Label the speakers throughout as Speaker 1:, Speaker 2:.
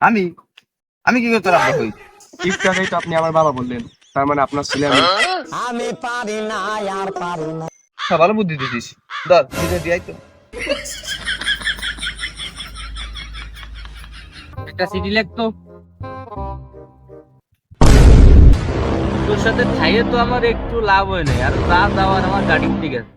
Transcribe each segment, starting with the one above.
Speaker 1: আমি আমি কি করে তোর আব্বা হই?
Speaker 2: একটু আগেই তো আপনি আমার বাবা বললেন, তার মানে আপনার ছেলে আমি।
Speaker 3: আমি পারি না আর পারি না।
Speaker 1: ভালো বুদ্ধি দিছিস। ধর নিজে দিয়াই তো।
Speaker 4: একটা সিটি লিখতো। তোর সাথে খাইয়ে তো আমার একটু লাভ হয় নাই, আর যা যাওয়ার আমার গাড়ি ঠিক আছে।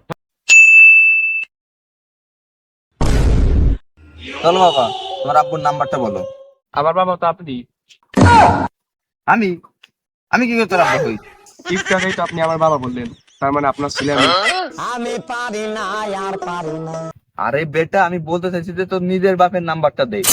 Speaker 1: চলো বাবা, তোমার আব্বুর নাম্বারটা বলো।
Speaker 2: আমার বাবা তো আপনি।
Speaker 1: আমি আমি কি করে তোর আব্বা হই?
Speaker 2: একটু আগেই তো আপনি আমার বাবা বললেন, তার মানে আপনার ছেলে আমি।
Speaker 3: আমি পারি না আর পারি না।
Speaker 1: আরে বেটা, আমি বলতে চাইছি যে তোর নিজের বাপের নাম্বারটা দে।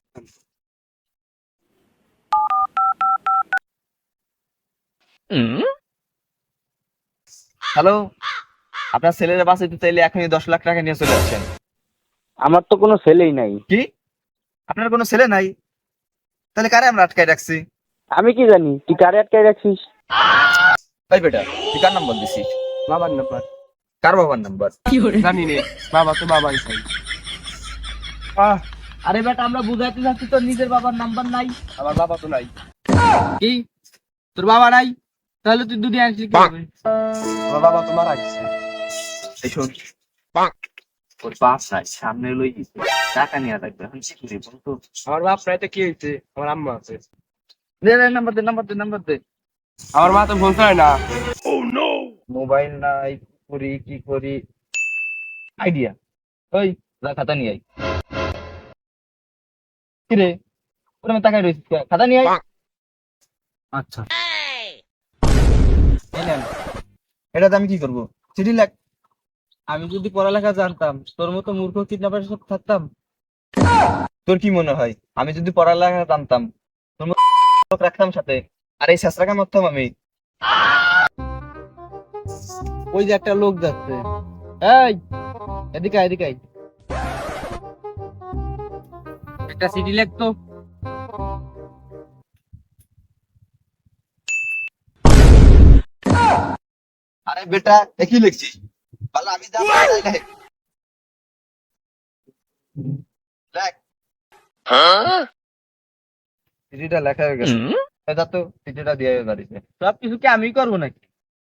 Speaker 1: হ্যালো, আপনার ছেলের বাঁচাইতে চাইলে এখনই 10 লাখ টাকা নিয়ে চলে আসছেন।
Speaker 5: আমার তো কোনো ছেলেই নাই।
Speaker 1: কি? আপনার কোনো ছেলে নাই? তাহলে কারে আমরা আটকায় রাখছি?
Speaker 5: আমি কি জানি তুই কারে আটকায় রাখছিস?
Speaker 1: ভাই বেটা, তুই কার নাম্বার দিছিস?
Speaker 2: বাবার নাম্বার
Speaker 1: কার বাবার নাম্বার?
Speaker 2: জানি নে, বাবা তো বাবাই চাই।
Speaker 4: আরে বেটা, আমরা বুঝাইতে চাচ্ছি তোর নিজের বাবার নাম্বার নাই।
Speaker 2: আমার বাবা তো নাই।
Speaker 4: কি তোর বাবা নাই? তাহলে তুই দুটি আনছিলি কি হবে?
Speaker 2: আমার বাবা তো মারা গেছে।
Speaker 1: এই শোন, ওর বাপ নাই, সামনে লই গেছে, টাকা নিয়ে রাখবে। এখন কি করি বলতো?
Speaker 2: আমার বাপ নাই তো কি হয়েছে, আমার আম্মা আছে।
Speaker 1: দে দে, নাম্বার দে, নাম্বার দে, নাম্বার দে।
Speaker 2: আমার মা তো বলতে হয় না।
Speaker 1: মোবাইল নাই, কি করি আইডিয়া। ওই যা, খাতা নিয়ে আই। কি রে, ওরে আমি তাকাই রইছিস কে? খাতা নিয়ে আই। আচ্ছা, এই নেন। এটাতে আমি কি করবো? চিঠি লেখ।
Speaker 4: আমি যদি পড়ালেখা জানতাম, তোর মতো মূর্খ কিডন্যাপার সব থাকতাম।
Speaker 1: তোর কি মনে হয় আমি যদি পড়ালেখা জানতাম তোর মতো লোক রাখতাম সাথে? আর এই শেষরাকা মারতাম আমি?
Speaker 4: ওই যে একটা লোক যাচ্ছে, এই এদিকে আয়, এদিকে আয়। একটা সিটি লিখতো।
Speaker 1: আরে বেটা, একই লিখছিস। ভালো, আমি যা বলি তাই লেখ। লেখ। চিঠিটা লেখা হয়ে গেছে। এই যা তো, চিঠিটা দিয়ে দাঁড়িয়েছে।
Speaker 4: সবকিছু কি আমি করবো নাকি?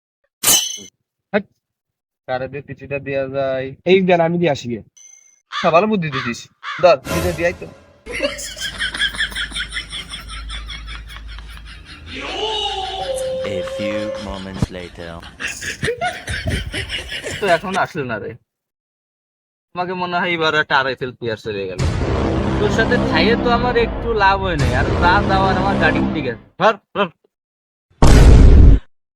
Speaker 1: কারে দিয়ে চিঠিটা দেওয়া যায়?
Speaker 2: এই দেন, আমি দিয়ে আসি গে।
Speaker 1: ভালো বুদ্ধি দিছিস। ধর নিজে দিয়াই তো।
Speaker 6: A few moments later.
Speaker 1: তো এখন আসলে না রে। তোমাকে মনে হয় এবার একটা আড়াইফেল প্লেয়ার চলে গেল।
Speaker 4: তোর সাথে খাইয়ে তো আমার একটু লাভ হয় নাই, আর যা যাওয়ার আমার গাড়ি ঠিক আছে। ধর ধর।